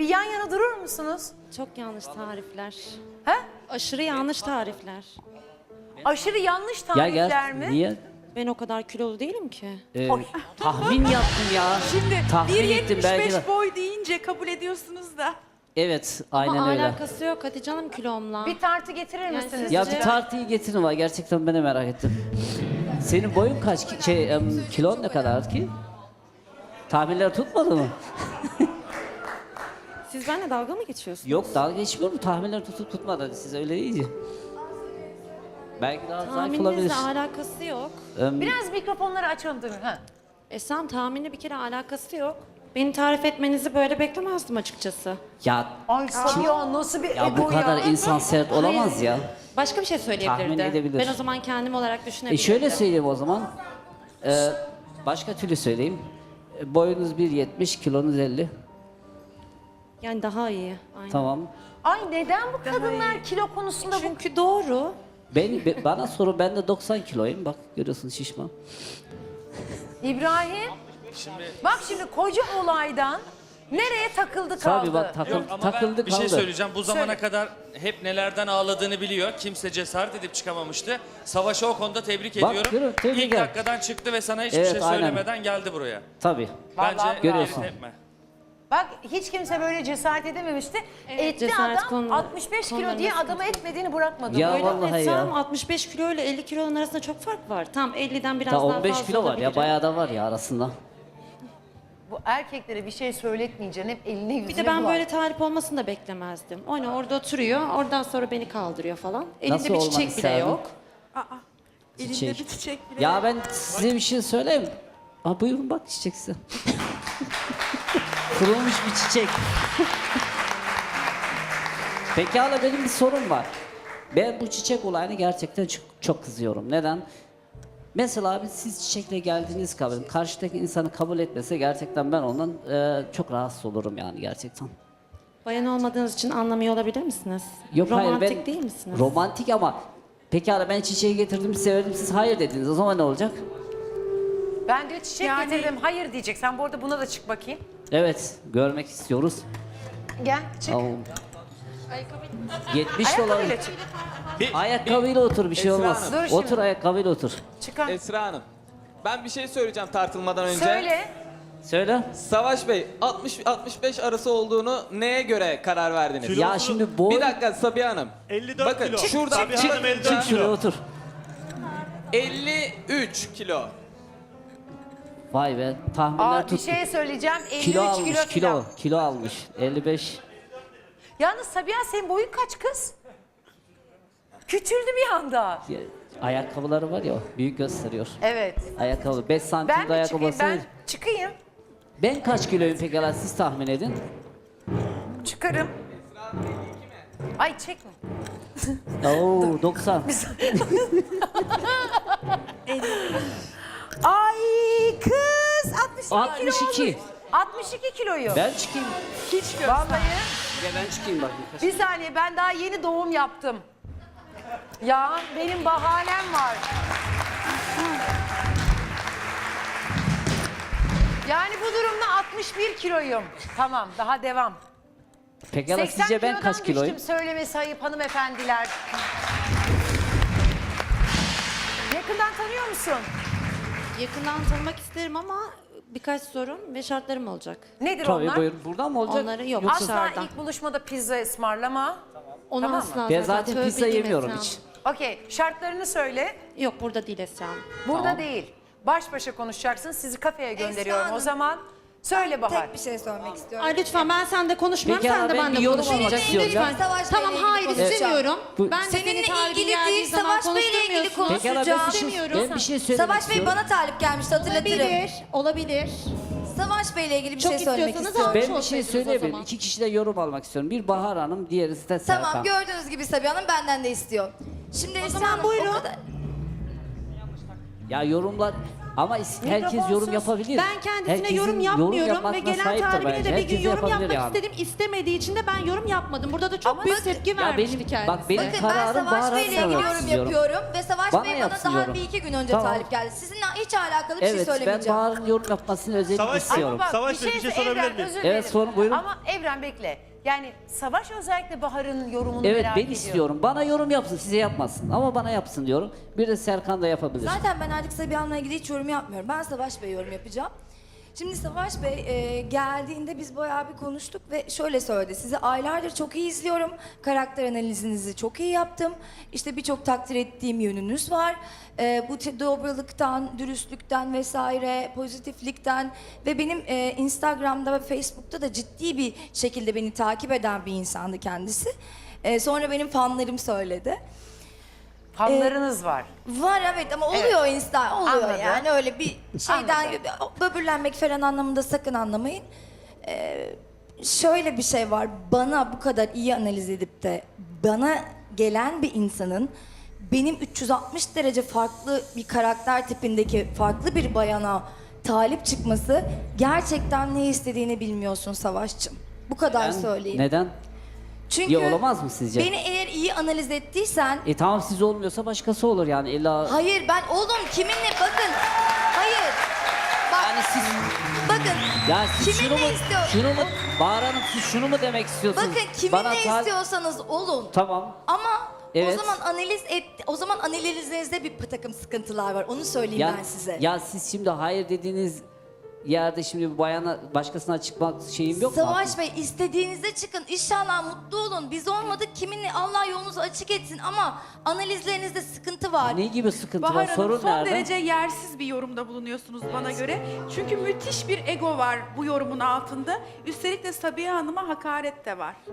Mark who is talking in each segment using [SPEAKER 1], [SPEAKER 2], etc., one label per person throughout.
[SPEAKER 1] Bir yan yana durur musunuz?
[SPEAKER 2] Çok yanlış tarifler.
[SPEAKER 1] He?
[SPEAKER 2] Aşırı yanlış tarifler.
[SPEAKER 1] Aşırı yanlış
[SPEAKER 3] Ya
[SPEAKER 1] tarifler
[SPEAKER 3] gel,
[SPEAKER 1] mi?
[SPEAKER 3] niye?
[SPEAKER 2] Ben o kadar kilolu değilim ki.
[SPEAKER 3] Tahmin yaptım ya.
[SPEAKER 4] Şimdi
[SPEAKER 3] Tahmin ettim belki de.
[SPEAKER 4] 1.75 boy deyince kabul ediyorsunuz da.
[SPEAKER 3] Evet, aynen
[SPEAKER 2] Ama
[SPEAKER 3] öyle.
[SPEAKER 2] alakası yok Hatice Hanım kilomla.
[SPEAKER 1] Bir tartı getirir
[SPEAKER 2] Yani
[SPEAKER 1] misiniz?
[SPEAKER 2] siz-
[SPEAKER 3] Ya
[SPEAKER 2] Sizce-
[SPEAKER 3] bir tartıyı getirin var. Gerçekten ben de merak ettim. Senin boyun kaç ki? Kilon ne kadar ki? Tahminler tutmadı mı?
[SPEAKER 2] Siz benimle dalga mı geçiyorsunuz?
[SPEAKER 3] Yok, dalga geçmiyorum. Tahminler tutup tutmadı. Siz öyle deyince. Belki daha zayıf olabilir.
[SPEAKER 2] Tahmininizle alakası yok.
[SPEAKER 1] Biraz mikrofonları açalım değil mi? Ha.
[SPEAKER 2] Esam tahminle bir kere alakası yok. Beni tarif etmenizi böyle beklemezdim açıkçası.
[SPEAKER 3] Ya,
[SPEAKER 1] Ay Sabiha nasıl bir
[SPEAKER 3] ya bu
[SPEAKER 1] ego
[SPEAKER 3] kadar
[SPEAKER 1] ya.
[SPEAKER 3] insan sert olamaz ya.
[SPEAKER 2] Başka bir şey
[SPEAKER 3] Tahmin
[SPEAKER 2] söyleyebilirdi.
[SPEAKER 3] edebilir.
[SPEAKER 2] Ben o zaman kendim olarak düşünebilirdim.
[SPEAKER 3] Şöyle söyleyeyim o zaman. Başka türlü söyleyeyim. Boyunuz 1.70, kilonuz 50.
[SPEAKER 2] Yani daha iyi. Aynen.
[SPEAKER 3] Tamam.
[SPEAKER 1] Ay neden bu kadınlar kilo konusunda bu...
[SPEAKER 2] Çünkü doğru.
[SPEAKER 3] Bana sorun, ben de 90 kiloyum. Bak görüyorsun, şişman.
[SPEAKER 1] İbrahim, bak şimdi koca olaydan nereye takıldı kaldı?
[SPEAKER 3] Tabii bak
[SPEAKER 5] Yok ama
[SPEAKER 3] takıldı
[SPEAKER 5] ben bir şey
[SPEAKER 3] kaldı.
[SPEAKER 5] söyleyeceğim. Bu zamana
[SPEAKER 1] Söyle.
[SPEAKER 5] kadar hep nelerden ağladığını biliyor. Kimse cesaret edip çıkamamıştı. Savaş'ı o konuda tebrik
[SPEAKER 3] Bak,
[SPEAKER 5] ediyorum.
[SPEAKER 3] görüyorum, tebrik
[SPEAKER 5] İlk
[SPEAKER 3] ederim.
[SPEAKER 5] dakikadan çıktı ve sana hiçbir
[SPEAKER 3] Evet,
[SPEAKER 5] şey
[SPEAKER 3] aynen.
[SPEAKER 5] söylemeden geldi buraya.
[SPEAKER 3] Tabii.
[SPEAKER 1] Vallahi
[SPEAKER 5] Bence
[SPEAKER 3] Görüyorsun.
[SPEAKER 5] etme.
[SPEAKER 1] Bak hiç kimse böyle cesaret edememişti. Etti
[SPEAKER 2] cesaret
[SPEAKER 1] adam
[SPEAKER 2] konu-
[SPEAKER 1] 65 kilo
[SPEAKER 2] konularında
[SPEAKER 1] diye
[SPEAKER 2] sıkıntı
[SPEAKER 1] adamı
[SPEAKER 2] yok.
[SPEAKER 1] etmediğini bırakmadı.
[SPEAKER 3] Ya
[SPEAKER 1] Böyle.
[SPEAKER 3] vallahi
[SPEAKER 2] Esam
[SPEAKER 3] ya.
[SPEAKER 2] 65 kilo ile 50 kilonun arasında çok fark var. Tam 50'den biraz
[SPEAKER 3] Daha
[SPEAKER 2] daha
[SPEAKER 3] 15
[SPEAKER 2] fazla
[SPEAKER 3] kilo var ya,
[SPEAKER 2] olabilirim.
[SPEAKER 3] bayağı da var ya arasında.
[SPEAKER 1] Bu erkeklere bir şey söyletmeyeceksin. Hep eline yüzüne
[SPEAKER 2] Bir de ben
[SPEAKER 1] bulan.
[SPEAKER 2] böyle tarif olmasını da beklemezdim. O ne orada oturuyor, oradan sonra beni kaldırıyor falan. Elinde
[SPEAKER 3] Nasıl
[SPEAKER 2] bir
[SPEAKER 3] olmak
[SPEAKER 2] çiçek bile
[SPEAKER 3] isterdin?
[SPEAKER 2] yok.
[SPEAKER 4] Elinde
[SPEAKER 3] Çiçek.
[SPEAKER 4] bir çiçek bile.
[SPEAKER 3] Ya ben size bir şey söyleyeyim. Aa, buyurun bak çiçek size. Kurulmuş bir çiçek. Pekala, benim bir sorum var. Ben bu çiçek olayını gerçekten çok kızıyorum. Neden? Mesela abi, siz çiçekle geldiğiniz kabul, karşıdaki insanı kabul etmese gerçekten ben ondan çok rahatsız olurum yani gerçekten.
[SPEAKER 2] Bayan olmadığınız için anlamıyor olabilir misiniz?
[SPEAKER 3] Yok
[SPEAKER 2] Romantik
[SPEAKER 3] hayır, ben
[SPEAKER 2] değil misiniz?
[SPEAKER 3] romantik ama pekala ben çiçeği getirdim, severdim, siz hayır dediniz, o zaman ne olacak?
[SPEAKER 1] Ben diyor çiçek
[SPEAKER 4] Yani-
[SPEAKER 1] getirdim. Hayır diyecek. Sen bu arada buna da çık bakayım.
[SPEAKER 3] Evet, görmek istiyoruz.
[SPEAKER 1] Gel çık.
[SPEAKER 3] Tamam. 70 dolar.
[SPEAKER 1] Ayakkabıyla çık.
[SPEAKER 3] Ayakkabıyla otur, bir şey
[SPEAKER 6] Esra
[SPEAKER 3] olmaz.
[SPEAKER 1] Hanım. Dur şimdi.
[SPEAKER 3] Otur, ayakkabıyla otur.
[SPEAKER 1] Çıkar.
[SPEAKER 6] Esra Hanım, ben bir şey söyleyeceğim tartılmadan önce.
[SPEAKER 1] Söyle.
[SPEAKER 3] Söyle.
[SPEAKER 6] Savaş Bey, 60-65 arası olduğunu neye göre karar verdiniz?
[SPEAKER 3] Ya şimdi boy...
[SPEAKER 6] Bir dakika Sabiha Hanım.
[SPEAKER 7] 54
[SPEAKER 6] Bakın,
[SPEAKER 7] kilo.
[SPEAKER 6] şurada-
[SPEAKER 7] Sabiha
[SPEAKER 6] çık-
[SPEAKER 7] Hanım 54
[SPEAKER 3] Çık şuraya
[SPEAKER 7] kilo.
[SPEAKER 3] otur.
[SPEAKER 6] 53 kilo.
[SPEAKER 3] Vay be, tahminler
[SPEAKER 1] Aa, bir
[SPEAKER 3] tuttu.
[SPEAKER 1] şey söyleyeceğim. 53
[SPEAKER 3] Kilo almış,
[SPEAKER 1] kilo.
[SPEAKER 3] kilo.
[SPEAKER 1] falan.
[SPEAKER 3] Kilo almış. 55.
[SPEAKER 1] Yalnız Sabiha senin boyun kaç kız? Küçüldü bir anda.
[SPEAKER 3] Ya, ayakkabıları var ya, büyük gösteriyor.
[SPEAKER 1] Evet.
[SPEAKER 3] Ayakkabı 5 santim
[SPEAKER 1] Ben
[SPEAKER 3] de
[SPEAKER 1] mi
[SPEAKER 3] ayakkabı
[SPEAKER 1] çıkayım? Ben
[SPEAKER 3] olsa-
[SPEAKER 1] çıkayım.
[SPEAKER 3] Ben kaç kiloyum pekala, siz tahmin edin.
[SPEAKER 1] Çıkarım. Ay çekme.
[SPEAKER 3] Oo, 90.
[SPEAKER 1] Ay kız 62 kilo
[SPEAKER 3] 62.
[SPEAKER 1] olmuş. 62 kiloyu.
[SPEAKER 3] Ben çıkayım.
[SPEAKER 1] Vallahi
[SPEAKER 3] Ya ben çıkayım bak.
[SPEAKER 1] bir saniye ben daha yeni doğum yaptım. Ya benim bahanem var. Yani bu durumda 61 kiloyum. Tamam daha devam.
[SPEAKER 3] Pekala
[SPEAKER 1] 80
[SPEAKER 3] sizce ben
[SPEAKER 1] kilodan
[SPEAKER 3] kaç kiloyum?
[SPEAKER 1] düştüm söylemesi ayıp hanımefendiler. Yakından tanıyor musun?
[SPEAKER 2] Yakından tanımak isterim ama birkaç sorun ve şartlarım olacak.
[SPEAKER 1] Nedir
[SPEAKER 3] Tabii
[SPEAKER 1] onlar?
[SPEAKER 3] buyurun. Buradan mı olacak?
[SPEAKER 2] Onları yok.
[SPEAKER 3] Yoksa-
[SPEAKER 1] Asla
[SPEAKER 2] dışarıdan.
[SPEAKER 1] ilk buluşmada pizza ısmarlama.
[SPEAKER 2] Onu
[SPEAKER 1] Tamam mı?
[SPEAKER 2] asla
[SPEAKER 3] Ben zaten
[SPEAKER 2] tövbe
[SPEAKER 3] pizza
[SPEAKER 2] diyeyim
[SPEAKER 3] yemiyorum
[SPEAKER 2] Esra
[SPEAKER 3] hiç.
[SPEAKER 1] Okey şartlarını söyle.
[SPEAKER 2] Yok burada değil Esra Hanım.
[SPEAKER 1] Burada
[SPEAKER 3] Tamam.
[SPEAKER 1] değil. Baş başa konuşacaksın. Sizi kafeye gönderiyorum o
[SPEAKER 8] Hanım.
[SPEAKER 1] zaman. Söyle Bahar.
[SPEAKER 8] Tek bir şey sormak istiyorum.
[SPEAKER 2] Ay lütfen ben seninle konuşmuyorum,
[SPEAKER 3] Peki
[SPEAKER 2] sen de
[SPEAKER 3] ama ben
[SPEAKER 2] benimle
[SPEAKER 3] bir yorum
[SPEAKER 2] konuşmayacaksın.
[SPEAKER 3] almak istiyorum
[SPEAKER 2] Lütfen.
[SPEAKER 3] ya.
[SPEAKER 8] Savaş
[SPEAKER 2] Tamam
[SPEAKER 8] Bey'le
[SPEAKER 2] hayır
[SPEAKER 8] ilgili
[SPEAKER 2] istemiyorum.
[SPEAKER 3] Bu-
[SPEAKER 2] Ben de
[SPEAKER 8] Seninle
[SPEAKER 2] seni tarifin
[SPEAKER 8] ilgili
[SPEAKER 2] geldiği
[SPEAKER 8] değil,
[SPEAKER 2] zaman
[SPEAKER 8] Savaş Bey'le ilgili
[SPEAKER 2] konuşturmuyorsun.
[SPEAKER 3] Pekala ben bir şey,
[SPEAKER 2] İstemiyorum.
[SPEAKER 3] ben bir şey söylemek
[SPEAKER 8] Savaş Bey
[SPEAKER 3] istiyorum.
[SPEAKER 8] bana talip gelmişti hatırlatırım.
[SPEAKER 2] Olabilir, olabilir.
[SPEAKER 8] Savaş Bey'le ilgili bir
[SPEAKER 2] Çok
[SPEAKER 8] şey söylemek
[SPEAKER 2] istiyorsanız
[SPEAKER 8] istiyorum.
[SPEAKER 2] almış
[SPEAKER 3] Ben bir şey
[SPEAKER 2] olsaydınız o
[SPEAKER 3] söyleyebilirim.
[SPEAKER 2] zaman.
[SPEAKER 3] İki kişi de yorum almak istiyorum. Bir Bahar Hanım, diğerisi de Serkan.
[SPEAKER 8] Tamam gördüğünüz gibi Sabiha Hanım benden de istiyor. Şimdi Esra
[SPEAKER 2] zaman
[SPEAKER 8] Hanım,
[SPEAKER 2] buyurun.
[SPEAKER 8] o kadar-
[SPEAKER 3] Ya yorumlar ama herkes yorum
[SPEAKER 1] Mikrofonsuz.
[SPEAKER 3] yapabilir.
[SPEAKER 2] Ben kendisine
[SPEAKER 3] Herkesin
[SPEAKER 2] yorum yapmıyorum
[SPEAKER 3] yapma
[SPEAKER 2] ve
[SPEAKER 3] hakkına
[SPEAKER 2] gelen
[SPEAKER 3] sahiptir
[SPEAKER 2] talibine
[SPEAKER 3] bence.
[SPEAKER 2] de bir gün
[SPEAKER 3] Herkes
[SPEAKER 2] yorum
[SPEAKER 3] yapabilir
[SPEAKER 2] yapmak
[SPEAKER 3] yani.
[SPEAKER 2] istedim. İstemediği için de ben yorum yapmadım. Burada da çok
[SPEAKER 8] Ama
[SPEAKER 2] büyük
[SPEAKER 8] bakın-
[SPEAKER 2] tepki
[SPEAKER 3] Ya
[SPEAKER 2] vermişti
[SPEAKER 3] benim,
[SPEAKER 2] kendisi.
[SPEAKER 3] bak benim
[SPEAKER 8] Bakın ben
[SPEAKER 3] kararım
[SPEAKER 8] Savaş
[SPEAKER 3] Bahar'a
[SPEAKER 8] Bey'le ilgili
[SPEAKER 3] sormak
[SPEAKER 8] yorum
[SPEAKER 3] istiyorum.
[SPEAKER 8] yapıyorum ve Savaş
[SPEAKER 3] Bana
[SPEAKER 8] Bey bana
[SPEAKER 3] yapsın
[SPEAKER 8] daha
[SPEAKER 3] yorum.
[SPEAKER 8] bir iki gün önce
[SPEAKER 3] Tamam.
[SPEAKER 8] talip geldi. Sizinle hiç alakalı bir şey
[SPEAKER 3] Evet, ben
[SPEAKER 8] söylemeyeceğim.
[SPEAKER 3] Bahar'ın yorum yapmasını özellikle
[SPEAKER 7] Savaş-
[SPEAKER 3] istiyorum.
[SPEAKER 1] Bak,
[SPEAKER 7] Savaş Bey, bir şey sorabilir
[SPEAKER 1] Evren,
[SPEAKER 7] miyim?
[SPEAKER 1] özür
[SPEAKER 3] Evet,
[SPEAKER 1] dilerim.
[SPEAKER 3] sorun, buyurun.
[SPEAKER 1] Ama Evren bekle. Yani Savaş özellikle Bahar'ın yorumunu
[SPEAKER 3] Evet,
[SPEAKER 1] merak
[SPEAKER 3] ben
[SPEAKER 1] ediyor.
[SPEAKER 3] istiyorum. Bana yorum yapsın, size yapmasın. Ama bana yapsın diyorum. Bir de Serkan da yapabilir.
[SPEAKER 8] Zaten ben artık Sabiha'nla ilgili hiç yorum yapmıyorum. Ben Savaş Bey yorum yapacağım. Şimdi Savaş Bey geldiğinde biz bayağı bir konuştuk ve şöyle söyledi. Sizi aylardır çok iyi izliyorum. Karakter analizinizi çok iyi yaptım. İşte birçok takdir ettiğim yönünüz var. Bu dobralıktan, dürüstlükten vesaire, pozitiflikten ve benim Instagram'da ve Facebook'ta da ciddi bir şekilde beni takip eden bir insandı kendisi. Sonra benim fanlarım söyledi.
[SPEAKER 1] Fanlarınız var.
[SPEAKER 8] Var evet ama oluyor oluyor
[SPEAKER 1] Anladım.
[SPEAKER 8] yani öyle bir şeyden böbürlenmek falan anlamında sakın anlamayın. Şöyle bir şey var, bana bu kadar iyi analiz edip de bana gelen bir insanın benim 360 derece farklı bir karakter tipindeki farklı bir bayana talip çıkması, gerçekten ne istediğini bilmiyorsun Savaşçım. Bu kadar söyleyeyim.
[SPEAKER 3] Neden?
[SPEAKER 8] Çünkü
[SPEAKER 3] Ya olamaz mı sizce?
[SPEAKER 8] beni eğer iyi analiz ettiysen
[SPEAKER 3] Tamam, siz olmuyorsa başkası olur yani illa...
[SPEAKER 8] hayır ben oğlum kiminle bakın. Hayır. Bak,
[SPEAKER 3] Yani siz...
[SPEAKER 8] bakın.
[SPEAKER 3] Ya siz
[SPEAKER 8] Kiminle
[SPEAKER 3] şunu mu,
[SPEAKER 8] istiyor-
[SPEAKER 3] şunu mu, Bahar Hanım siz şunu mu demek istiyorsunuz?
[SPEAKER 8] Bakın
[SPEAKER 3] Bana
[SPEAKER 8] kiminle istiyorsanız olun.
[SPEAKER 3] Tamam.
[SPEAKER 8] Ama
[SPEAKER 3] Evet.
[SPEAKER 8] o zaman analizinizde bir takım sıkıntılar var. Onu söyleyeyim
[SPEAKER 3] Ya,
[SPEAKER 8] ben size.
[SPEAKER 3] ya siz şimdi hayır dediğiniz yerde şimdi bir bayana başkasına çıkmak şeyim yok mu?
[SPEAKER 8] Savaş Bey, istediğinizde çıkın. İnşallah mutlu olun. Biz olmadık. Kiminle Allah yolunuzu açık etsin ama analizlerinizde sıkıntı var.
[SPEAKER 3] Ne gibi sıkıntı
[SPEAKER 4] Bahar
[SPEAKER 3] var?
[SPEAKER 4] Hanım
[SPEAKER 3] Sorun
[SPEAKER 4] son
[SPEAKER 3] nerede?
[SPEAKER 4] derece yersiz bir yorumda bulunuyorsunuz bana göre. Çünkü müthiş bir ego var bu yorumun altında. Üstelik de Sabiha Hanım'a hakaret de var.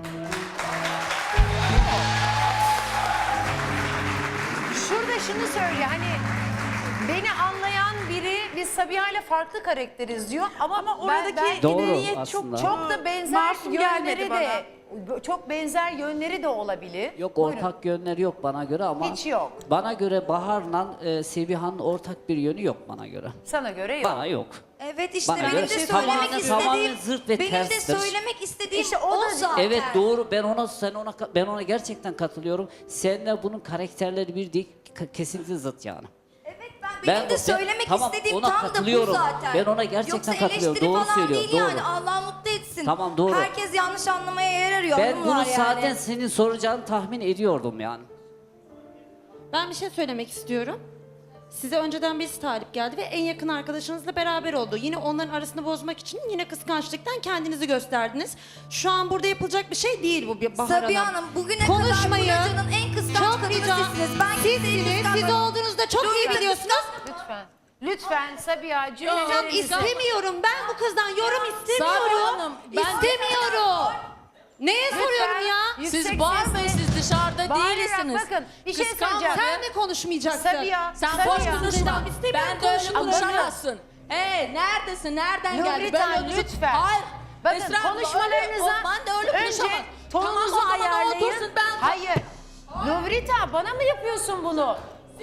[SPEAKER 1] Şurada şunu söyle hani beni anlayan biri biz Sabiha ile farklı karakteriz diyor ama
[SPEAKER 4] Oradaki
[SPEAKER 3] Doğru
[SPEAKER 4] niyet
[SPEAKER 3] aslında.
[SPEAKER 1] çok da benzer
[SPEAKER 4] masum gelmedi
[SPEAKER 1] yönleri de çok benzer yönleri de olabilir.
[SPEAKER 3] Yok,
[SPEAKER 1] Buyurun.
[SPEAKER 3] ortak yönleri yok bana göre ama...
[SPEAKER 1] Hiç yok.
[SPEAKER 3] Bana göre Bahar'la Seviha'nın ortak bir yönü yok bana göre.
[SPEAKER 1] Sana göre yok.
[SPEAKER 3] Bana yok.
[SPEAKER 8] Evet işte
[SPEAKER 3] Bana
[SPEAKER 8] benim
[SPEAKER 3] göre
[SPEAKER 8] de
[SPEAKER 3] tamamen-
[SPEAKER 8] söylemek
[SPEAKER 3] tamamen
[SPEAKER 8] istediğim,
[SPEAKER 3] zırt ve
[SPEAKER 8] benim de
[SPEAKER 3] terstir.
[SPEAKER 8] söylemek istediğim
[SPEAKER 1] İşte o
[SPEAKER 8] o
[SPEAKER 1] da-
[SPEAKER 8] zaten.
[SPEAKER 3] Evet doğru, ben ona gerçekten katılıyorum. Bunun karakterleri bir değil, kesinlikle zıt yani.
[SPEAKER 8] Evet benim de söylemek
[SPEAKER 3] tamam,
[SPEAKER 8] istediğim
[SPEAKER 3] ona
[SPEAKER 8] tam da bu
[SPEAKER 3] katılıyorum.
[SPEAKER 8] zaten.
[SPEAKER 3] Ben ona gerçekten
[SPEAKER 8] Yoksa
[SPEAKER 3] katılıyorum.
[SPEAKER 8] eleştiri
[SPEAKER 3] Doğru
[SPEAKER 8] falan
[SPEAKER 3] söylüyor,
[SPEAKER 8] değil
[SPEAKER 3] doğru.
[SPEAKER 8] yani. Allah mutlu etsin.
[SPEAKER 3] Tamam, doğru.
[SPEAKER 8] Herkes yanlış anlamaya yer arıyor.
[SPEAKER 3] Ben
[SPEAKER 8] hanımlar
[SPEAKER 3] bunu
[SPEAKER 8] yani.
[SPEAKER 3] zaten senin soracağını tahmin ediyordum yani.
[SPEAKER 2] Ben bir şey söylemek istiyorum. Size önceden birisi talip geldi ve en yakın arkadaşınızla beraber oldu. Yine onların arasını bozmak için yine kıskançlıktan kendinizi gösterdiniz. Şu an burada yapılacak bir şey değil bu bir Bahar
[SPEAKER 8] Sabiha Hanım bugüne kadar bu locanın en kıskanç kadını sizsiniz. Ben kimseyi
[SPEAKER 2] Sizsiniz. Siz
[SPEAKER 8] kıskanmadım.
[SPEAKER 2] olduğunuzda çok iyi
[SPEAKER 8] Lütfen,
[SPEAKER 2] biliyorsunuz.
[SPEAKER 1] Lütfen. Lütfen Sabiha
[SPEAKER 2] Hocam
[SPEAKER 1] cümlelerinizi...
[SPEAKER 2] istemiyorum. Ben bu kızdan yorum istemiyorum.
[SPEAKER 9] Sabiha Hanım, ben-
[SPEAKER 2] İstemiyorum. Neye soruyorum ya?
[SPEAKER 1] Yüksek
[SPEAKER 9] Siz bağırmayın,
[SPEAKER 1] sesle-
[SPEAKER 9] siz dışarıda
[SPEAKER 1] Bağırarak
[SPEAKER 9] değilsiniz.
[SPEAKER 1] bakın bir şey
[SPEAKER 9] Kıskanma.
[SPEAKER 1] söyleyeceğim.
[SPEAKER 2] Sen mi konuşmayacaksın?
[SPEAKER 1] Sabiha,
[SPEAKER 9] Sen
[SPEAKER 1] Sabiha.
[SPEAKER 9] boş konuşma. Ben de öyle
[SPEAKER 1] Ama
[SPEAKER 9] konuşamazsın. Neredesin? Nereden geldin?
[SPEAKER 1] Nurritan lütfen.
[SPEAKER 9] Hayır.
[SPEAKER 1] Bakın
[SPEAKER 9] Esra abla,
[SPEAKER 1] konuşmalarınıza
[SPEAKER 9] ben de öyle
[SPEAKER 1] önce
[SPEAKER 9] konuşamam.
[SPEAKER 1] tonunuzu
[SPEAKER 9] Tamam, o zaman
[SPEAKER 1] ayarlayın.
[SPEAKER 9] otursun, ben-
[SPEAKER 1] Hayır. Nuvrita bana mı yapıyorsun bunu?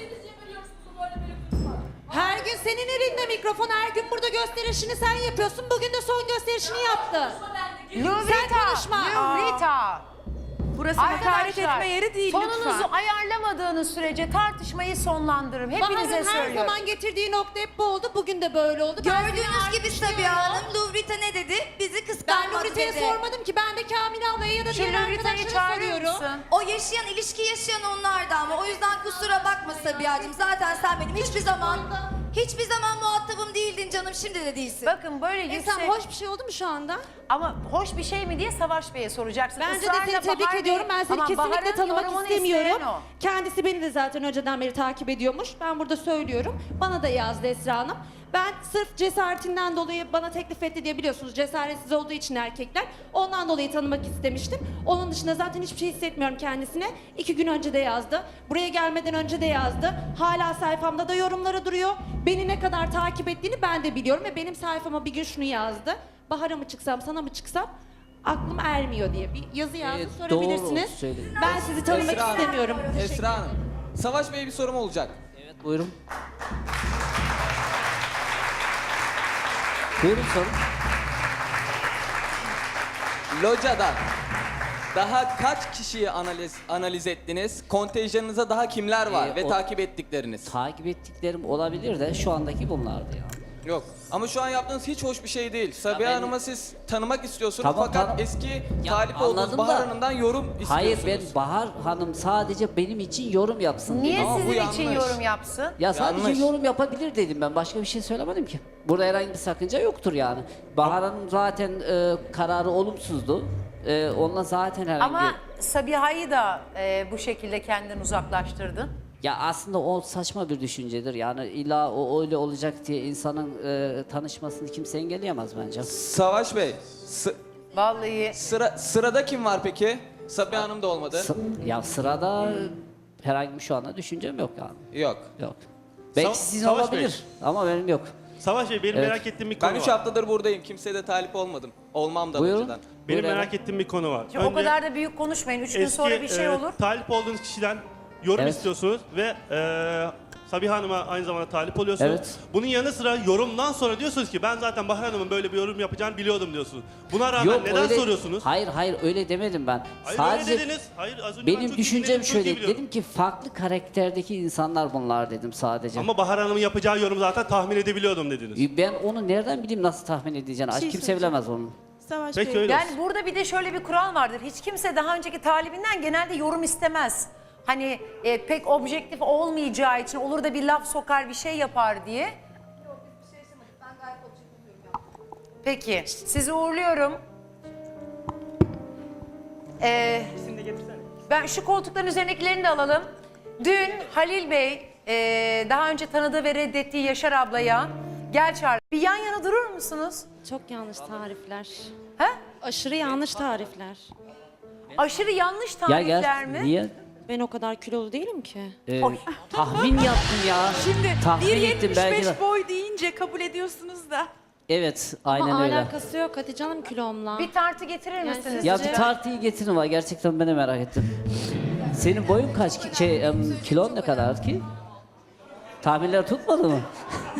[SPEAKER 2] Her gün senin elinde mikrofon, her gün burada gösterişini sen yapıyorsun. Bugün de son gösterişini yaptı.
[SPEAKER 1] Nuvrita.
[SPEAKER 2] konuşma.
[SPEAKER 1] Nuvrita.
[SPEAKER 4] Burası hakaret etme yeri değil
[SPEAKER 1] tonunuzu
[SPEAKER 4] lütfen.
[SPEAKER 1] ayarlamadığınız sürece tartışmayı sonlandırırım. Hepinize
[SPEAKER 2] Bahar'ın her
[SPEAKER 1] söylüyorum.
[SPEAKER 2] zaman getirdiği nokta hep bu oldu. Bugün de böyle oldu. Ben seni
[SPEAKER 8] Gördüğünüz
[SPEAKER 2] artık
[SPEAKER 8] gibi
[SPEAKER 2] düşünüyorum.
[SPEAKER 8] Sabiha Hanım, Luvrita ne dedi? Bizi
[SPEAKER 2] Ben
[SPEAKER 8] kıskanmadı
[SPEAKER 2] Nurite'ye
[SPEAKER 8] dedi.
[SPEAKER 2] sormadım ki. Ben de Kamil ablaya ya da
[SPEAKER 1] Şu
[SPEAKER 2] diğer
[SPEAKER 1] Nurrita'yı
[SPEAKER 2] arkadaşlara
[SPEAKER 1] çağırır
[SPEAKER 2] soruyorum.
[SPEAKER 1] mısın?
[SPEAKER 8] O yaşayan, ilişki yaşayan onlardı ama o yüzden kusura bakma Sabiha'cığım. Zaten sen benim hiçbir zaman muhatabım değildin canım, şimdi de değilsin.
[SPEAKER 1] Bakın böyle yüksek...
[SPEAKER 2] Sen hoş bir şey oldu mu şu anda?
[SPEAKER 1] Ama hoş bir şey mi diye Savaş Bey'e soracaksın.
[SPEAKER 2] Bence de
[SPEAKER 1] Israrla
[SPEAKER 2] seni tebrik
[SPEAKER 1] Bahar Bey-
[SPEAKER 2] ediyorum. Ben seni
[SPEAKER 1] Ama
[SPEAKER 2] kesinlikle
[SPEAKER 1] Bahar'ın
[SPEAKER 2] tanımak
[SPEAKER 1] yorumunu
[SPEAKER 2] istemiyorum.
[SPEAKER 1] isteyen o.
[SPEAKER 2] Kendisi beni de zaten önceden beri takip ediyormuş. Ben burada söylüyorum. Bana da yazdı Esra Hanım. Ben sırf cesaretinden dolayı bana teklif etti diye biliyorsunuz. Cesaretsiz olduğu için erkekler. Ondan dolayı tanımak istemiştim. Onun dışında zaten hiçbir şey hissetmiyorum kendisine. 2 gün önce de yazdı. Buraya gelmeden önce de yazdı. Hala sayfamda da yorumları duruyor. Beni ne kadar takip ettiğini ben de biliyorum. Ve benim sayfama bir gün şunu yazdı. Bahar'a mı çıksam, sana mı çıksam? Aklım ermiyor diye bir yazı yazdı. Sorabilirsiniz.
[SPEAKER 3] doğru söyledin.
[SPEAKER 2] Ben sizi tanımak
[SPEAKER 6] Esra Hanım,
[SPEAKER 2] istemiyorum.
[SPEAKER 6] Esra Hanım. Savaş Bey'e bir sorum olacak.
[SPEAKER 3] Evet, buyurun. Buyurun sorun.
[SPEAKER 6] Locada Daha kaç kişiyi analiz ettiniz? Kontenjanınıza daha kimler var ve
[SPEAKER 3] o-
[SPEAKER 6] takip ettikleriniz?
[SPEAKER 3] Takip ettiklerim olabilir de şu andaki bunlardı ya.
[SPEAKER 6] Yok. Ama şu an yaptığınız hiç hoş bir şey değil. Sabiha
[SPEAKER 3] ben-
[SPEAKER 6] Hanım'ı siz tanımak istiyorsunuz
[SPEAKER 3] Tamam,
[SPEAKER 6] fakat
[SPEAKER 3] tamam.
[SPEAKER 6] eski
[SPEAKER 3] Ya,
[SPEAKER 6] talip olduğunuz
[SPEAKER 3] anladım
[SPEAKER 6] Bahar
[SPEAKER 3] da-
[SPEAKER 6] Hanım'dan yorum istiyorsunuz.
[SPEAKER 3] Hayır, ben Bahar Hanım sadece benim için yorum yapsın
[SPEAKER 1] Niye
[SPEAKER 3] dedim.
[SPEAKER 6] Ama bu
[SPEAKER 1] sizin için
[SPEAKER 6] yanlış.
[SPEAKER 1] yorum yapsın?
[SPEAKER 3] Ya sadece
[SPEAKER 6] Yanlış.
[SPEAKER 3] yorum yapabilir dedim ben. Başka bir şey söylemedim ki. Burada herhangi bir sakınca yoktur yani. Bahar Hanım zaten kararı olumsuzdu. Onunla zaten herhangi
[SPEAKER 1] Ama Sabiha'yı da bu şekilde kendinden uzaklaştırdın.
[SPEAKER 3] Ya aslında o saçma bir düşüncedir. Yani illa o öyle olacak diye insanın tanışmasını kimse engelleyemez bence.
[SPEAKER 6] Savaş Bey,
[SPEAKER 1] Vallahi
[SPEAKER 6] sırada kim var peki? Sabiha Hanım da olmadı.
[SPEAKER 3] Ya sırada herhangi bir şu anda düşüncem yok yani.
[SPEAKER 6] Yok.
[SPEAKER 3] Yok. Belki
[SPEAKER 7] Sa-
[SPEAKER 3] sizin
[SPEAKER 7] Savaş
[SPEAKER 3] olabilir ama benim yok.
[SPEAKER 7] Savaş Bey benim
[SPEAKER 3] Evet.
[SPEAKER 7] merak ettiğim bir konu
[SPEAKER 6] Ben 3
[SPEAKER 7] var.
[SPEAKER 6] haftadır buradayım. Kimseye de talip olmadım. Olmam da
[SPEAKER 3] Buyurun.
[SPEAKER 6] önceden.
[SPEAKER 7] Benim
[SPEAKER 3] Buyurun.
[SPEAKER 7] merak ettiğim bir konu var.
[SPEAKER 1] o kadar da büyük konuşmayın. 3 gün sonra bir şey olur.
[SPEAKER 7] Talip olduğunuz kişiden yorum
[SPEAKER 3] Evet.
[SPEAKER 7] istiyorsunuz ve Sabiha Hanım'a aynı zamanda talip oluyorsunuz.
[SPEAKER 3] Evet.
[SPEAKER 7] Bunun yanı sıra yorumdan sonra diyorsunuz ki ben zaten Bahar Hanım'ın böyle bir yorum yapacağını biliyordum diyorsunuz. Buna rağmen neden
[SPEAKER 3] öyle-
[SPEAKER 7] soruyorsunuz?
[SPEAKER 3] Hayır öyle demedim ben.
[SPEAKER 7] Hayır
[SPEAKER 3] Sadece
[SPEAKER 7] öyle dediniz. Hayır az önce ben
[SPEAKER 3] benim
[SPEAKER 7] çok iyi
[SPEAKER 3] düşüncem
[SPEAKER 7] dinledim, çok iyi
[SPEAKER 3] şöyle.
[SPEAKER 7] biliyorum.
[SPEAKER 3] Dedim ki farklı karakterdeki insanlar bunlar dedim sadece.
[SPEAKER 7] Ama Bahar Hanım'ın yapacağı yorumu zaten tahmin edebiliyordum dediniz.
[SPEAKER 3] Ben onu nereden bileyim nasıl tahmin edeceğini?
[SPEAKER 4] şey
[SPEAKER 3] Kimse
[SPEAKER 4] söyleyeceğim.
[SPEAKER 3] bilemez onu.
[SPEAKER 4] Savaş
[SPEAKER 7] Peki
[SPEAKER 4] Bey.
[SPEAKER 7] öyle
[SPEAKER 1] Yani
[SPEAKER 7] olsun.
[SPEAKER 1] burada bir de şöyle bir kural vardır. Hiç kimse daha önceki talibinden genelde yorum istemez. Hani pek objektif olmayacağı için olur da bir laf sokar bir şey yapar diye. Peki sizi uğurluyorum. Ben şu koltukların üzerindekilerini de alalım. Dün Halil Bey daha önce tanıdığı ve reddettiği Yaşar ablaya gel çağır. Bir yan yana durur musunuz?
[SPEAKER 2] Çok yanlış tarifler.
[SPEAKER 1] Ha?
[SPEAKER 2] Aşırı yanlış tarifler.
[SPEAKER 1] Aşırı yanlış
[SPEAKER 3] Ya
[SPEAKER 1] tarifler
[SPEAKER 3] gel.
[SPEAKER 1] mi?
[SPEAKER 3] Niye?
[SPEAKER 2] Ben o kadar kilolu değilim ki.
[SPEAKER 3] Tahmin yaptım ya.
[SPEAKER 4] Şimdi
[SPEAKER 3] Tahmin ettim belki de.
[SPEAKER 4] 1.75 boy deyince kabul ediyorsunuz da.
[SPEAKER 3] Evet, aynen
[SPEAKER 2] Ama
[SPEAKER 3] öyle.
[SPEAKER 2] alakası yok Hatice Hanım kilomla.
[SPEAKER 1] Bir tartı getirir misiniz?
[SPEAKER 2] siz-
[SPEAKER 3] Ya
[SPEAKER 2] Sizce?
[SPEAKER 3] bir tartıyı getirin var. Gerçekten ben de merak ettim. Senin boyun kaç? Kilon ne kadar ki? Tahminler tutmadı mı?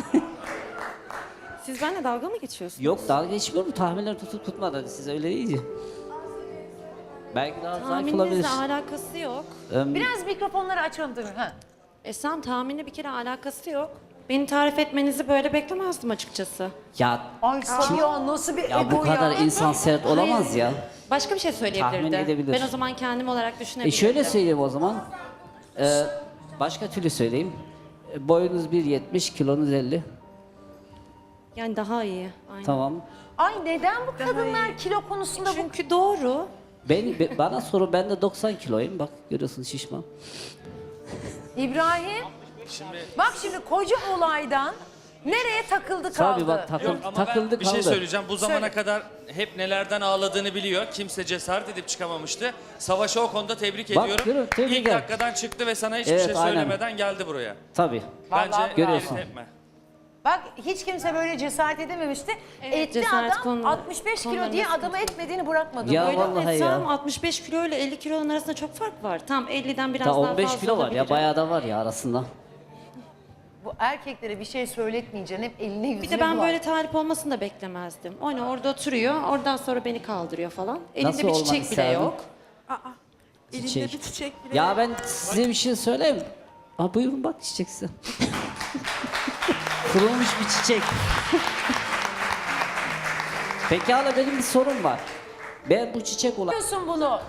[SPEAKER 2] Siz benimle dalga mı geçiyorsunuz?
[SPEAKER 3] Yok, dalga geçmiyorum. Tahminler tutup tutmadı. Siz öyle deyince. Belki daha zayıf olabilir.
[SPEAKER 2] Tahmininizle alakası yok.
[SPEAKER 1] Biraz mikrofonları açalım tabii. Ha.
[SPEAKER 2] Esam tahminle bir kere alakası yok. Beni tarif etmenizi böyle beklemezdim açıkçası.
[SPEAKER 3] Ya
[SPEAKER 1] Ay Sabiha nasıl bir
[SPEAKER 3] ya
[SPEAKER 1] ego
[SPEAKER 3] bu kadar
[SPEAKER 1] ya.
[SPEAKER 3] insan sert olamaz ya.
[SPEAKER 2] Başka bir şey
[SPEAKER 3] Tahmin
[SPEAKER 2] söyleyebilirdi.
[SPEAKER 3] edebilir.
[SPEAKER 2] Ben o zaman kendim olarak düşünebilirdim.
[SPEAKER 3] Şöyle söyleyeyim o zaman. Başka türlü söyleyeyim. Boyunuz 1.70, kilonuz 50.
[SPEAKER 2] Yani daha iyi. Aynen.
[SPEAKER 3] Tamam.
[SPEAKER 1] Ay neden bu kadınlar kilo konusunda bu...
[SPEAKER 2] Çünkü doğru.
[SPEAKER 3] Bana sorun, ben de 90 kiloyum. Bak görüyorsun şişman.
[SPEAKER 1] İbrahim. Bak şimdi koca olaydan nereye takıldı kaldı?
[SPEAKER 3] Tabii bak
[SPEAKER 5] Ama
[SPEAKER 3] takıldı
[SPEAKER 5] ben bir şey
[SPEAKER 3] kaldı.
[SPEAKER 5] söyleyeceğim. Bu zamana
[SPEAKER 1] Söyle.
[SPEAKER 5] kadar hep nelerden ağladığını biliyor. Kimse cesaret edip çıkamamıştı. Savaş'ı o konuda tebrik
[SPEAKER 3] Bak,
[SPEAKER 5] ediyorum.
[SPEAKER 3] görüyorum, tebrik
[SPEAKER 5] İlk
[SPEAKER 3] ederim.
[SPEAKER 5] dakikadan çıktı ve sana hiçbir
[SPEAKER 3] Evet,
[SPEAKER 5] şey
[SPEAKER 3] aynen.
[SPEAKER 5] söylemeden geldi buraya.
[SPEAKER 3] Tabii.
[SPEAKER 5] Bence
[SPEAKER 1] Vallahi
[SPEAKER 3] Görüyorsun.
[SPEAKER 5] geri tepme.
[SPEAKER 1] Bak hiç kimse böyle cesaret edememişti. Etti
[SPEAKER 2] cesaret
[SPEAKER 1] adam
[SPEAKER 2] konuları-
[SPEAKER 1] 65 kilo
[SPEAKER 2] konularında
[SPEAKER 1] diye
[SPEAKER 2] sıkıntı
[SPEAKER 1] adamı etmediğini bırakmadı.
[SPEAKER 3] Ya
[SPEAKER 1] Böyle
[SPEAKER 3] vallahi
[SPEAKER 2] Esam
[SPEAKER 3] ya.
[SPEAKER 2] 65 kilo ile 50 kilonun arasında çok fark var. Tam 50'den biraz
[SPEAKER 3] Ta
[SPEAKER 2] daha
[SPEAKER 3] 15
[SPEAKER 2] fazla
[SPEAKER 3] kilo var ya,
[SPEAKER 2] olabilirim.
[SPEAKER 3] bayağı da var ya arasında.
[SPEAKER 1] bu erkeklere bir şey söyletmeyeceksin. Hep eline yüzüne
[SPEAKER 2] Bir de ben
[SPEAKER 1] bular.
[SPEAKER 2] böyle talip olmasını da beklemezdim. Hani orada oturuyor, oradan sonra beni kaldırıyor falan. Elinde
[SPEAKER 3] Nasıl
[SPEAKER 2] bir
[SPEAKER 3] olmanı
[SPEAKER 2] çiçek bile
[SPEAKER 3] isterdin?
[SPEAKER 2] yok.
[SPEAKER 4] Elinde
[SPEAKER 3] Çiçek.
[SPEAKER 4] bir çiçek bile.
[SPEAKER 3] Ya ben size bir şey söyleyeyim. Aa, buyurun bak çiçek size. Kurulmuş bir çiçek. Pekala, benim bir sorum var. Ben bu çiçek olan...
[SPEAKER 1] Yapıyorsun bunu.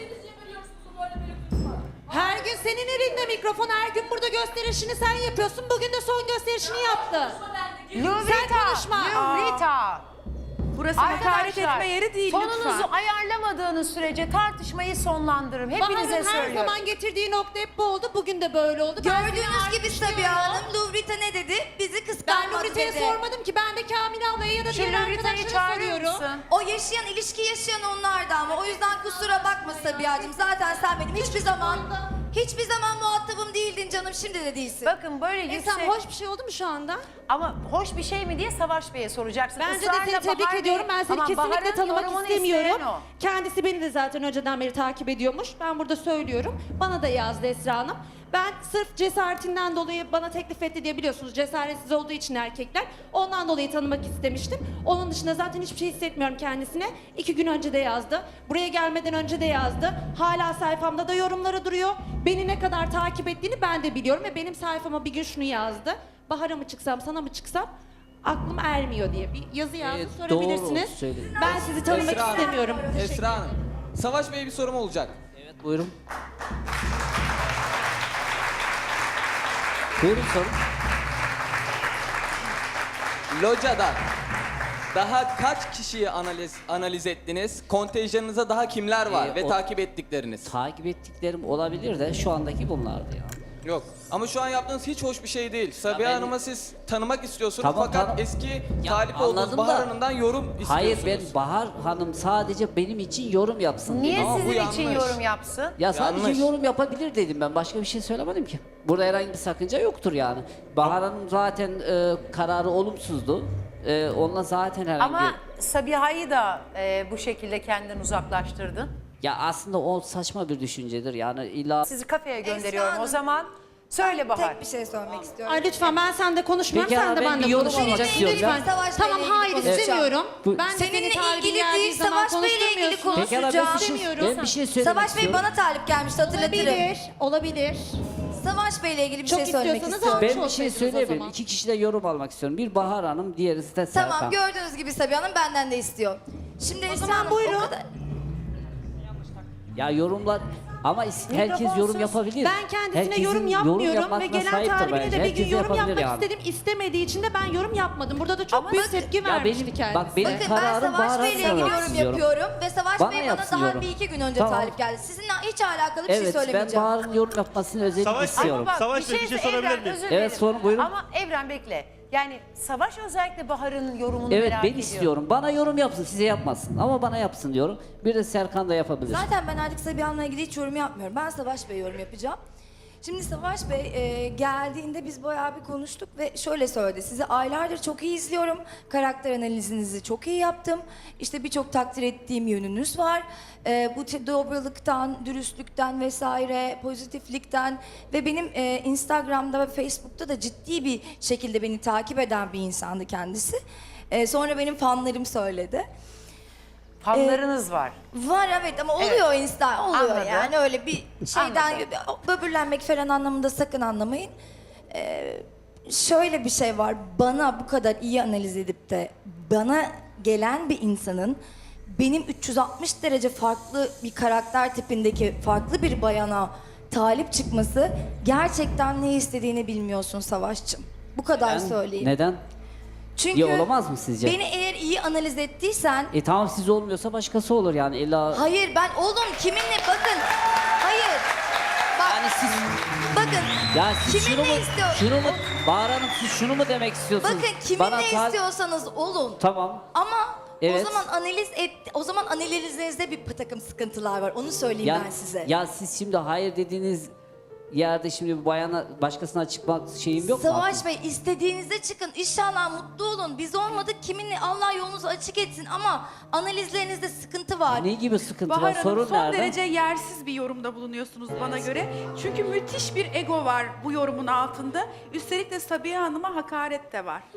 [SPEAKER 2] Her gün senin elinde mikrofon, her gün burada gösterişini sen yapıyorsun. Bugün de son gösterişini yaptı.
[SPEAKER 1] Lurita.
[SPEAKER 2] konuşma.
[SPEAKER 1] Lurita.
[SPEAKER 4] Burası hakaret
[SPEAKER 1] Arkadaşlar
[SPEAKER 4] etme yeri değil
[SPEAKER 1] tonunuzu
[SPEAKER 4] lütfen.
[SPEAKER 1] ayarlamadığınız sürece tartışmayı sonlandırırım. Hepinize
[SPEAKER 2] Bahar'ın her
[SPEAKER 1] söylüyorum.
[SPEAKER 2] zaman getirdiği nokta hep bu oldu. Bugün de böyle oldu. Ben seni
[SPEAKER 8] Gördüğünüz gibi
[SPEAKER 2] alkışlıyorum.
[SPEAKER 8] Sabiha Hanım, Luvrita ne dedi? Bizi
[SPEAKER 2] Ben
[SPEAKER 8] kıskanmadı
[SPEAKER 2] Nurite'ye
[SPEAKER 8] dedi.
[SPEAKER 2] sormadım ki. Ben de Kamil ablaya ya da
[SPEAKER 1] Şu
[SPEAKER 2] diğer
[SPEAKER 1] Lurita'yı
[SPEAKER 2] arkadaşlara
[SPEAKER 1] çağırır
[SPEAKER 2] soruyorum.
[SPEAKER 1] mısın?
[SPEAKER 8] O yaşayan, ilişki yaşayan onlardı ama o yüzden kusura bakma Sabiha'cığım. Zaten sen benim hiçbir zaman muhatabım değildin canım, şimdi de değilsin.
[SPEAKER 1] Bakın böyle yüksek...
[SPEAKER 2] Esam hoş bir şey oldu mu şu anda?
[SPEAKER 1] Ama hoş bir şey mi diye Savaş Bey'e soracaksın.
[SPEAKER 2] Bence de
[SPEAKER 1] Israrla
[SPEAKER 2] seni tebrik
[SPEAKER 1] Bahar
[SPEAKER 2] ediyorum.
[SPEAKER 1] Bey-
[SPEAKER 2] Ben seni
[SPEAKER 1] Ama
[SPEAKER 2] kesinlikle
[SPEAKER 1] Bahar'ın
[SPEAKER 2] tanımak
[SPEAKER 1] yorumunu
[SPEAKER 2] istemiyorum.
[SPEAKER 1] isteyen o.
[SPEAKER 2] Kendisi beni de zaten önceden beri takip ediyormuş. Ben burada söylüyorum. Bana da yazdı Esra Hanım. Ben sırf cesaretinden dolayı bana teklif etti diye biliyorsunuz cesaretsiz olduğu için erkekler. Ondan dolayı tanımak istemiştim. Onun dışında zaten hiçbir şey hissetmiyorum kendisine. 2 gün önce de yazdı. Buraya gelmeden önce de yazdı. Hala sayfamda da yorumları duruyor. Beni ne kadar takip ettiğini ben de biliyorum ve benim sayfama bir gün şunu yazdı. Bahar'a mı çıksam, sana mı çıksam aklım ermiyor diye bir yazı yazdı. Sorabilirsiniz.
[SPEAKER 3] doğru söyledin.
[SPEAKER 2] Ben sizi tanımak
[SPEAKER 6] Esra Hanım.
[SPEAKER 2] istemiyorum.
[SPEAKER 6] Esra Hanım. Savaş Bey'e bir sorum olacak.
[SPEAKER 3] Evet buyurun. Buyurun sorun.
[SPEAKER 6] Locada daha kaç kişiyi analiz ettiniz? Kontenjanınıza daha kimler var ve
[SPEAKER 3] o-
[SPEAKER 6] takip ettikleriniz?
[SPEAKER 3] Takip ettiklerim olabilir de şu andaki bunlardı ya.
[SPEAKER 6] Yok. Ama şu an yaptığınız hiç hoş bir şey değil. Sabiha
[SPEAKER 3] ben-
[SPEAKER 6] Hanım'ı siz tanımak istiyorsunuz
[SPEAKER 3] Tamam,
[SPEAKER 6] fakat
[SPEAKER 3] tamam.
[SPEAKER 6] eski
[SPEAKER 3] Ya,
[SPEAKER 6] talip olduğunuz
[SPEAKER 3] anladım
[SPEAKER 6] Bahar
[SPEAKER 3] da-
[SPEAKER 6] Hanım'dan yorum istiyorsunuz.
[SPEAKER 3] Hayır ben Bahar Hanım sadece benim için yorum yapsın
[SPEAKER 1] Niye
[SPEAKER 3] dedim.
[SPEAKER 6] Ama bu
[SPEAKER 1] sizin için
[SPEAKER 6] yanlış.
[SPEAKER 1] yorum yapsın?
[SPEAKER 3] Ya sadece
[SPEAKER 6] Yanlış.
[SPEAKER 3] yorum yapabilir dedim ben. Başka bir şey söylemedim ki. Burada herhangi bir sakınca yoktur yani. Bahar Hanım zaten kararı olumsuzdu. Onunla zaten herhangi
[SPEAKER 1] Ama Sabiha'yı da bu şekilde kendinden uzaklaştırdın.
[SPEAKER 3] Ya aslında o saçma bir düşüncedir. Yani illa
[SPEAKER 1] Sizi kafeye gönderiyorum
[SPEAKER 8] Hanım,
[SPEAKER 1] o zaman. Söyle Bahar.
[SPEAKER 8] Tek bir şey söylemek istiyorum.
[SPEAKER 2] Ay lütfen ben sende konuşmuyorum,
[SPEAKER 3] Peki
[SPEAKER 2] sen
[SPEAKER 3] ama
[SPEAKER 2] de
[SPEAKER 3] ben
[SPEAKER 2] ben de
[SPEAKER 3] bir yorum
[SPEAKER 2] konuşmayacaksın.
[SPEAKER 3] almak istiyorum ya.
[SPEAKER 2] Lütfen.
[SPEAKER 8] Savaş
[SPEAKER 2] Tamam
[SPEAKER 8] Bey'le
[SPEAKER 2] hayır
[SPEAKER 8] ilgili
[SPEAKER 2] istemiyorum.
[SPEAKER 3] Bu-
[SPEAKER 2] Ben de
[SPEAKER 8] Seninle
[SPEAKER 2] seni talibin
[SPEAKER 8] ilgili
[SPEAKER 2] geldiği
[SPEAKER 8] değil,
[SPEAKER 2] zaman
[SPEAKER 8] Savaş Bey'le ilgili
[SPEAKER 2] konuşturmuyorsun.
[SPEAKER 3] Pekala ben bir şey,
[SPEAKER 2] İstemiyorum.
[SPEAKER 3] ben bir şey söylemek
[SPEAKER 8] Savaş Bey
[SPEAKER 3] istiyorum.
[SPEAKER 8] bana talip gelmişti, hatırlatırım.
[SPEAKER 2] Olabilir, olabilir.
[SPEAKER 8] Savaş Bey'le ilgili bir
[SPEAKER 2] Çok
[SPEAKER 8] şey söylemek
[SPEAKER 2] istiyorsanız
[SPEAKER 8] istiyorum.
[SPEAKER 2] almış
[SPEAKER 3] Ben bir şey
[SPEAKER 2] olsaydınız o
[SPEAKER 3] söyleyebilirim.
[SPEAKER 2] zaman.
[SPEAKER 3] İki kişide yorum almak istiyorum. Bir Bahar Hanım, diğeri de Serkan.
[SPEAKER 8] Tamam, gördüğünüz gibi Sabiha Hanım benden de istiyor. Şimdi Esra
[SPEAKER 2] zaman
[SPEAKER 8] Hanım,
[SPEAKER 2] buyurun.
[SPEAKER 8] o kadar...
[SPEAKER 3] Ya yorumlar ama herkes yorum yapabilir.
[SPEAKER 2] Ben kendisine
[SPEAKER 3] Herkesin
[SPEAKER 2] yorum yapmıyorum ve
[SPEAKER 3] yapmasına
[SPEAKER 2] gelen
[SPEAKER 3] sahiptir
[SPEAKER 2] talibine
[SPEAKER 3] bence.
[SPEAKER 2] de bir gün
[SPEAKER 3] Herkes
[SPEAKER 2] yorum
[SPEAKER 3] yapabilir
[SPEAKER 2] yapmak
[SPEAKER 3] yani.
[SPEAKER 2] istedim. İstemediği için de ben yorum yapmadım. Burada da çok
[SPEAKER 8] Ama
[SPEAKER 2] büyük
[SPEAKER 8] bakın-
[SPEAKER 2] tepki
[SPEAKER 3] Ya
[SPEAKER 2] vermişti
[SPEAKER 3] benim-
[SPEAKER 2] kendisi.
[SPEAKER 3] bak benim
[SPEAKER 8] Bakın ben
[SPEAKER 3] kararım
[SPEAKER 8] Savaş
[SPEAKER 3] Bahar
[SPEAKER 8] Bey'le ilgili
[SPEAKER 3] Hanım'a
[SPEAKER 8] yorum
[SPEAKER 3] istiyorum.
[SPEAKER 8] yapıyorum ve Savaş
[SPEAKER 3] Bana
[SPEAKER 8] Bey bana
[SPEAKER 3] yapsın
[SPEAKER 8] daha
[SPEAKER 3] yorum.
[SPEAKER 8] bir iki gün önce
[SPEAKER 3] Tamam.
[SPEAKER 8] talip geldi. Sizinle hiç alakalı bir şey
[SPEAKER 3] Evet ben
[SPEAKER 8] söylemeyeceğim.
[SPEAKER 3] Bahar'ın yorum yapmasını özellikle
[SPEAKER 7] Savaş-
[SPEAKER 3] istiyorum.
[SPEAKER 1] Bak,
[SPEAKER 7] Savaş Bey, bir şey sorabilir
[SPEAKER 1] Evren,
[SPEAKER 7] miyim?
[SPEAKER 1] özür
[SPEAKER 3] Evet,
[SPEAKER 1] dilerim.
[SPEAKER 3] sorun, buyurun.
[SPEAKER 1] Ama Evren bekle. Yani Savaş özellikle Bahar'ın yorumunu
[SPEAKER 3] Evet
[SPEAKER 1] merak
[SPEAKER 3] ben
[SPEAKER 1] ediyor.
[SPEAKER 3] istiyorum. Bana yorum yapsın, size yapmasın. Ama bana yapsın diyorum. Bir de Serkan da yapabilir.
[SPEAKER 8] Zaten ben artık Sabiha Hanım'la ilgili hiç yorum yapmıyorum. Ben Savaş Bey yorum yapacağım. Şimdi Savaş Bey geldiğinde biz bayağı bir konuştuk ve şöyle söyledi. Sizi aylardır çok iyi izliyorum. Karakter analizinizi çok iyi yaptım. İşte birçok takdir ettiğim yönünüz var. Bu dobralıktan, dürüstlükten vesaire, pozitiflikten ve benim Instagram'da ve Facebook'ta da ciddi bir şekilde beni takip eden bir insandı kendisi. Sonra benim fanlarım söyledi.
[SPEAKER 1] Fanlarınız var.
[SPEAKER 8] Var evet ama oluyor Insta oluyor
[SPEAKER 1] Anladım.
[SPEAKER 8] yani öyle bir şeyden
[SPEAKER 1] Anladım.
[SPEAKER 8] böbürlenmek falan anlamında sakın anlamayın. Şöyle bir şey var, bana bu kadar iyi analiz edip de bana gelen bir insanın benim 360 derece farklı bir karakter tipindeki farklı bir bayana talip çıkması, gerçekten ne istediğini bilmiyorsun Savaşçım. Bu kadar söyleyeyim.
[SPEAKER 3] Neden?
[SPEAKER 8] Çünkü
[SPEAKER 3] İyi olamaz mı sizce?
[SPEAKER 8] beni eğer iyi analiz ettiysen
[SPEAKER 3] Tamam siz olmuyorsa başkası olur yani illa...
[SPEAKER 8] hayır ben oğlum kiminle bakın. Hayır. Bak
[SPEAKER 3] Yani siz...
[SPEAKER 8] bakın.
[SPEAKER 3] Ya siz
[SPEAKER 8] Kiminle
[SPEAKER 3] şunu mu,
[SPEAKER 8] istiyor-
[SPEAKER 3] şunu mu, Bahar Hanım siz şunu mu demek istiyorsunuz?
[SPEAKER 8] Bakın
[SPEAKER 3] Bana
[SPEAKER 8] kiminle
[SPEAKER 3] tal-
[SPEAKER 8] istiyorsanız olun.
[SPEAKER 3] Tamam.
[SPEAKER 8] Ama
[SPEAKER 3] Evet.
[SPEAKER 8] o zaman analizinizde bir takım sıkıntılar var. Onu söyleyeyim ben size.
[SPEAKER 3] Ya siz şimdi hayır dediğiniz yerde şimdi bir bayana başkasına çıkmak şeyim yok mu?
[SPEAKER 8] Savaş Bey istediğinizde çıkın. İnşallah mutlu olun. Biz olmadık. Kiminle Allah yolunuzu açık etsin ama analizlerinizde sıkıntı var.
[SPEAKER 3] Ne gibi sıkıntı
[SPEAKER 4] Bahar
[SPEAKER 3] var?
[SPEAKER 4] Hanım
[SPEAKER 3] Sorun
[SPEAKER 4] son
[SPEAKER 3] nerede?
[SPEAKER 4] derece yersiz bir yorumda bulunuyorsunuz bana göre. Çünkü müthiş bir ego var bu yorumun altında. Üstelik de Sabiha Hanım'a hakaret de var.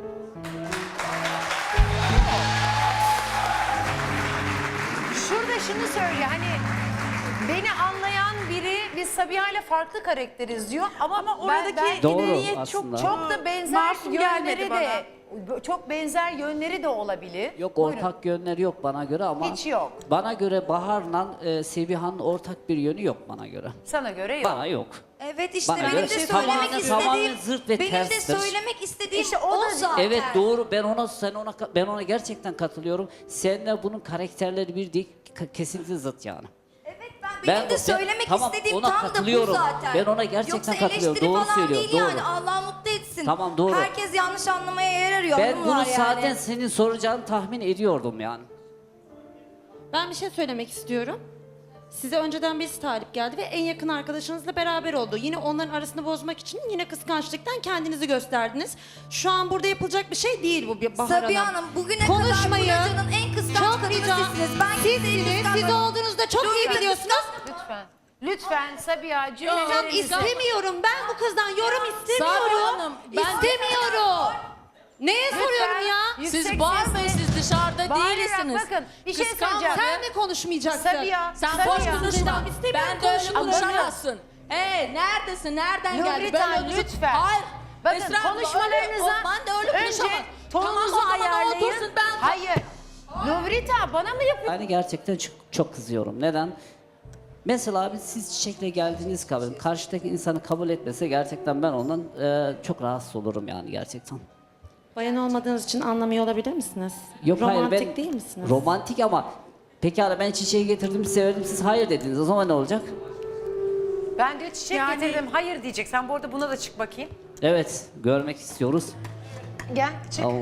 [SPEAKER 1] Şurada şunu söylüyor hani beni anlayan biri biz Sabiha ile farklı karakteriz diyor ama
[SPEAKER 4] oradaki
[SPEAKER 3] Doğru
[SPEAKER 4] niyet çok
[SPEAKER 3] aslında.
[SPEAKER 1] çok da benzer
[SPEAKER 4] masum gelmedi
[SPEAKER 1] yönleri de çok benzer yönleri de olabilir.
[SPEAKER 3] Yok
[SPEAKER 1] Buyurun.
[SPEAKER 3] ortak yönleri yok bana göre ama
[SPEAKER 1] Hiç yok.
[SPEAKER 3] Bana göre Bahar'la Sebiha'nın ortak bir yönü yok bana göre.
[SPEAKER 1] Sana göre yok.
[SPEAKER 3] Bana yok.
[SPEAKER 8] Evet işte
[SPEAKER 3] Bana
[SPEAKER 8] benim
[SPEAKER 3] göre
[SPEAKER 8] de
[SPEAKER 3] tamamen-
[SPEAKER 8] söylemek
[SPEAKER 3] tamamen
[SPEAKER 8] istediğim
[SPEAKER 3] zırt ve
[SPEAKER 8] benim de
[SPEAKER 3] terstir.
[SPEAKER 8] söylemek istediğim
[SPEAKER 1] İşte
[SPEAKER 8] o
[SPEAKER 1] o da-
[SPEAKER 8] zaten.
[SPEAKER 3] Evet doğru ben ona gerçekten katılıyorum. Seninle bunun karakterleri bir değil kesinlikle zıt yani.
[SPEAKER 8] Evet benim de söylemek
[SPEAKER 3] tamam,
[SPEAKER 8] istediğim
[SPEAKER 3] ona
[SPEAKER 8] tam da bu
[SPEAKER 3] katılıyorum.
[SPEAKER 8] zaten.
[SPEAKER 3] Ben ona gerçekten
[SPEAKER 8] Yoksa
[SPEAKER 3] katılıyorum.
[SPEAKER 8] eleştiri
[SPEAKER 3] Doğru
[SPEAKER 8] falan
[SPEAKER 3] söylüyor,
[SPEAKER 8] değil
[SPEAKER 3] doğru.
[SPEAKER 8] yani Allah mutlu etsin.
[SPEAKER 3] Tamam, doğru.
[SPEAKER 8] Herkes yanlış anlamaya yer arıyor.
[SPEAKER 3] Ben
[SPEAKER 8] hanımlar
[SPEAKER 3] bunu
[SPEAKER 8] yani.
[SPEAKER 3] zaten senin soracağını tahmin ediyordum yani.
[SPEAKER 2] Ben bir şey söylemek istiyorum. Size önceden birisi talip geldi ve en yakın arkadaşınızla beraber oldu. Yine onların arasını bozmak için yine kıskançlıktan kendinizi gösterdiniz. Şu an burada yapılacak bir şey değil bu bir Bahar
[SPEAKER 8] Sabiha Hanım bugüne
[SPEAKER 2] Konuşmayın.
[SPEAKER 8] kadar bu locanın en kıskanç
[SPEAKER 2] Çok
[SPEAKER 8] kadını
[SPEAKER 2] rica.
[SPEAKER 8] sizsiniz. Ben kimseyi
[SPEAKER 2] Sizsiniz.
[SPEAKER 8] kıskanmadım.
[SPEAKER 2] Siz olduğunuzda çok iyi
[SPEAKER 8] Lütfen.
[SPEAKER 2] biliyorsunuz.
[SPEAKER 1] Lütfen. Lütfen Sabiha
[SPEAKER 2] Hocam
[SPEAKER 1] cümlelerinizi...
[SPEAKER 2] istemiyorum. Ben bu kızdan yorum
[SPEAKER 9] Sabiha
[SPEAKER 2] istemiyorum.
[SPEAKER 9] Hanım, ben-
[SPEAKER 2] İstemiyorum. Neye soruyorum ya?
[SPEAKER 1] Yüksek
[SPEAKER 9] Siz bağırmayın,
[SPEAKER 1] sesle-
[SPEAKER 9] siz dışarıda
[SPEAKER 1] Bağırarak
[SPEAKER 9] değilsiniz.
[SPEAKER 1] bakın, bir şey
[SPEAKER 9] Kıskanma
[SPEAKER 1] söyleyeceğim.
[SPEAKER 9] be.
[SPEAKER 2] Sen de konuşmayacaksın.
[SPEAKER 1] Sabiha,
[SPEAKER 9] Sen
[SPEAKER 1] Sabiha.
[SPEAKER 9] boş konuşma. Ben de öyle
[SPEAKER 1] Ama
[SPEAKER 9] konuşamazsın. Neredesin? Nereden geldin?
[SPEAKER 1] Nurita
[SPEAKER 9] Böyle konuşup-
[SPEAKER 1] lütfen.
[SPEAKER 9] Hayır.
[SPEAKER 1] Bakın
[SPEAKER 9] Esra abla,
[SPEAKER 1] konuşmalarınıza
[SPEAKER 9] ben de öyle
[SPEAKER 1] önce
[SPEAKER 9] konuşamam.
[SPEAKER 1] tonunuzu
[SPEAKER 9] Tamam, o zaman
[SPEAKER 1] ayarlayın.
[SPEAKER 9] otursun, ben-
[SPEAKER 1] Hayır. Nurita bana mı yapıyorsun?
[SPEAKER 3] Yani gerçekten çok kızıyorum. Neden? Mesela abi siz çiçekle geldiğiniz kabul, karşıdaki insanı kabul etmese gerçekten ben ondan çok rahatsız olurum yani gerçekten.
[SPEAKER 2] Bayan olmadığınız için anlamıyor olabilir misiniz?
[SPEAKER 3] Yok
[SPEAKER 2] Romantik
[SPEAKER 3] hayır ben
[SPEAKER 2] değil misiniz?
[SPEAKER 3] romantik ama pekala ben çiçeği getirdim severdim siz hayır dediniz o zaman ne olacak?
[SPEAKER 1] Ben diyor çiçek
[SPEAKER 4] Yani-
[SPEAKER 1] getirdim. Hayır diyecek. Sen bu arada buna da çık bakayım.
[SPEAKER 3] Evet görmek istiyoruz.
[SPEAKER 1] Gel çık.
[SPEAKER 3] Tamam.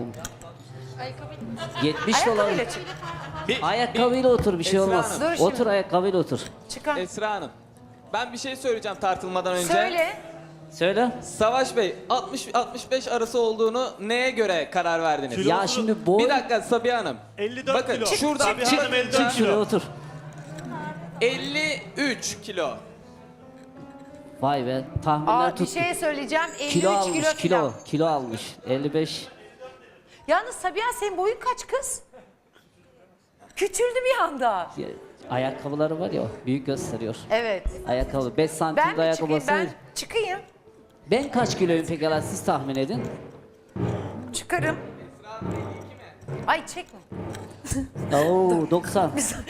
[SPEAKER 3] 70 dolar.
[SPEAKER 1] Ayakkabıyla çık.
[SPEAKER 3] Ayakkabıyla otur bir şey
[SPEAKER 6] Esra
[SPEAKER 3] olmaz.
[SPEAKER 6] Hanım.
[SPEAKER 1] Dur şimdi.
[SPEAKER 3] Otur ayakkabıyla otur.
[SPEAKER 1] Çıkar.
[SPEAKER 6] Esra Hanım, ben bir şey söyleyeceğim tartılmadan önce.
[SPEAKER 1] Söyle.
[SPEAKER 3] Söyle.
[SPEAKER 6] Savaş Bey, 60-65 arası olduğunu neye göre karar verdiniz?
[SPEAKER 7] Kilo-
[SPEAKER 3] Ya şimdi boy...
[SPEAKER 6] Bir dakika Sabiha Hanım.
[SPEAKER 7] 54
[SPEAKER 6] Bakın
[SPEAKER 7] kilo.
[SPEAKER 6] şuradan
[SPEAKER 7] Sabiha
[SPEAKER 6] çık-
[SPEAKER 7] Hanım 54
[SPEAKER 3] Çık şuraya
[SPEAKER 7] kilo.
[SPEAKER 3] otur.
[SPEAKER 6] 53 kilo.
[SPEAKER 3] Vay be tahminler
[SPEAKER 1] Aa, bir
[SPEAKER 3] tuttu.
[SPEAKER 1] şey söyleyeceğim. 53
[SPEAKER 3] Kilo almış
[SPEAKER 1] kilo falan.
[SPEAKER 3] kilo almış. 55.
[SPEAKER 1] Yalnız Sabiha senin boyun kaç kız? Küçüldü bir anda.
[SPEAKER 3] Ya, ayakkabıları var ya büyük gösteriyor.
[SPEAKER 1] Evet.
[SPEAKER 3] Ayakkabı 5 santim
[SPEAKER 1] Ben
[SPEAKER 3] de
[SPEAKER 1] mi çıkayım?
[SPEAKER 3] ayakkabısı.
[SPEAKER 1] Ben çıkayım.
[SPEAKER 3] Ben kaç kiloyum pekala siz tahmin edin.
[SPEAKER 1] Çıkarım. Ay çekme.
[SPEAKER 3] Oo 90.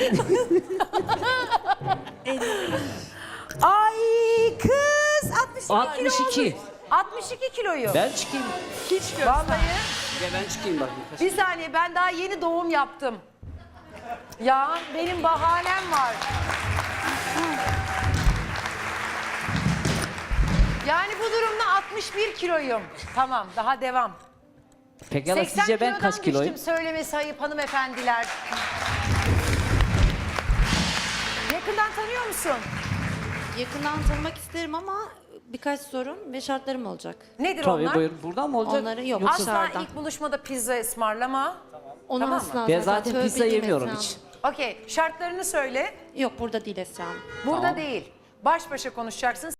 [SPEAKER 1] Ay kız 62 kilo
[SPEAKER 3] 62.
[SPEAKER 1] olmuş. 62 kiloyu.
[SPEAKER 3] Ben çıkayım.
[SPEAKER 1] Vallahi.
[SPEAKER 3] Ya ben çıkayım bakayım.
[SPEAKER 1] Bir saniye ben daha yeni doğum yaptım. Ya benim bahanem var. Yani bu durumda 61 kiloyum. Tamam daha devam.
[SPEAKER 3] Pekala
[SPEAKER 1] 80
[SPEAKER 3] sizce ben
[SPEAKER 1] kilodan
[SPEAKER 3] kaç kiloyum?
[SPEAKER 1] düştüm söylemesi ayıp hanımefendiler. Yakından tanıyor musun?
[SPEAKER 2] Yakından tanımak isterim ama birkaç sorun ve şartlarım olacak.
[SPEAKER 1] Nedir
[SPEAKER 3] Tabii
[SPEAKER 1] onlar?
[SPEAKER 3] buyurun. Buradan mı olacak?
[SPEAKER 2] Onları yok.
[SPEAKER 3] Yoksa-
[SPEAKER 1] Asla
[SPEAKER 2] dışarıdan.
[SPEAKER 1] ilk buluşmada pizza ısmarlama.
[SPEAKER 2] Onu
[SPEAKER 1] Tamam mı?
[SPEAKER 2] asla
[SPEAKER 3] Ben zaten
[SPEAKER 2] tövbe
[SPEAKER 3] pizza
[SPEAKER 2] değil
[SPEAKER 3] yemiyorum
[SPEAKER 2] Esra
[SPEAKER 3] hiç.
[SPEAKER 2] Hanım.
[SPEAKER 1] Okey şartlarını söyle.
[SPEAKER 2] Yok burada değil Esra Hanım.
[SPEAKER 1] Burada
[SPEAKER 3] Tamam.
[SPEAKER 1] değil. Baş başa konuşacaksın.